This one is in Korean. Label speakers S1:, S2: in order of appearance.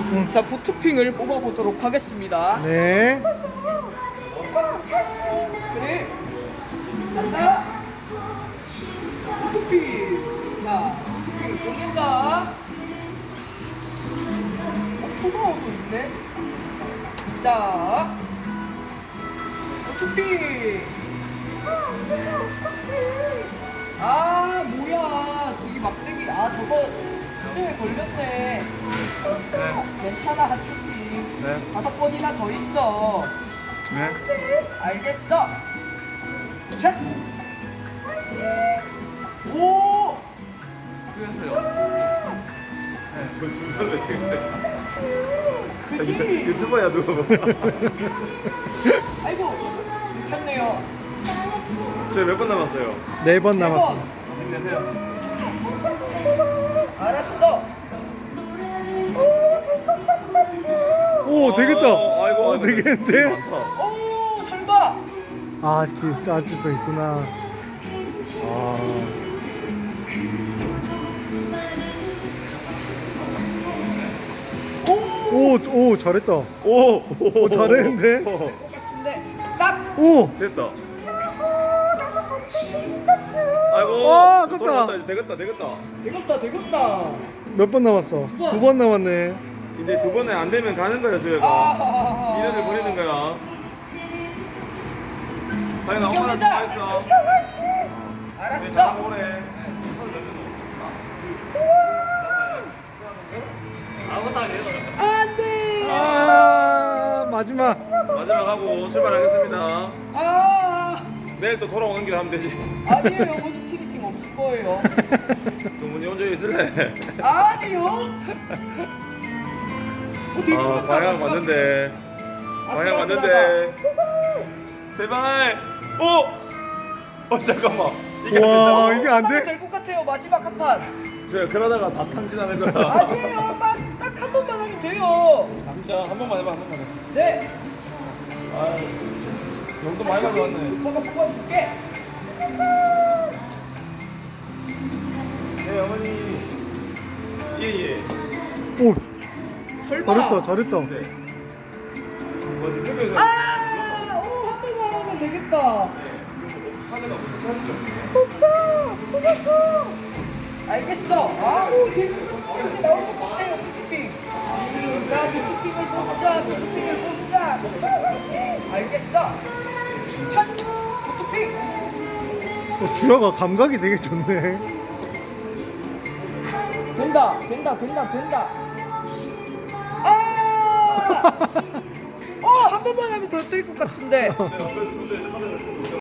S1: 자, 부투핑을 뽑아보도록 하겠습니다.
S2: 네.
S1: 그래. 간다. 부투핑. 자, 부투핑 뽑는다. 포가오도 있네. 자, 부투핑. 아, 뭐야. 저기 막대기. 아, 저거 수에 걸렸네. 괜찮아, 하츄핑.
S2: 네.
S1: 5번이나 더 있어.
S2: 네.
S1: 알겠어. 샷. 오.
S2: 그래서요.
S1: 그치.
S3: 유튜버야 누구?
S1: 아이고. 켰네요.
S3: 저희 몇 번 남았어요?
S2: 4번 남았어.
S3: 힘내세요.
S1: 알았어.
S2: 오, 되겠다.
S3: 아이고,
S2: 되겠는데?
S3: 많다.
S1: 오, 설마.
S2: 아, 아직도 있구나. 아. 오, 잘했다.
S3: 오,
S2: 잘했는데?
S1: 같은데. 딱.
S2: 오,
S3: 됐다. 아이고,
S2: 아, 아깝다.
S3: 돌아갔다. 이제 되겠다.
S1: 되겠다.
S2: 몇 번 남았어? 2번 남았네.
S3: 근데 두 번에 안 되면 가는 거야, 저희가.
S1: 아.
S3: 1년을 보내는 거야. 다행히 엄마랑
S1: 이겨내자.
S3: 좋아했어.
S1: 알았어.
S3: 오래.
S1: 안 돼.
S2: 마지막.
S3: 마지막 하고 출발하겠습니다.
S1: 아.
S3: 내일 또 돌아오는 길 하면 되지.
S1: 아니에요. 거기 티니핑 없을 거예요.
S3: 동문이 혼자 있을래?
S1: 아니요.
S3: 아, 방향 맞는데. 방향 맞는데. 제발. 오! 잠깐만.
S2: 와, 이게 안 돼?
S1: 될것 같아요. 마지막 한 판.
S3: 제가 그러다가 다 탕진하는 거야.
S1: 아니에요. 딱 한 번만 하면 돼요.
S3: 진짜 한 번만 해봐, 한 번만 해.
S1: 네.
S3: 아, 용도 많이 가져왔네.
S1: 오빠가 뽑아줄게.
S3: 네, 어머니. 예.
S2: 오,
S1: 설마.
S2: 잘했다.
S3: 네. 어디 TV에서
S1: 아, 오, 한 번만 하면 되겠다.
S3: 하늘가 무슨 사진
S1: 오빠, 뽑았어. 알겠어. 아우, 이제 나올 것 같아요, 부티핑. 자, 부티핑을 뽑자. 알겠어. 첫 부티핑.
S2: 주아가 감각이 되게 좋네.
S1: 된다. 아! 한 번만 하면 더 뜰 것 같은데.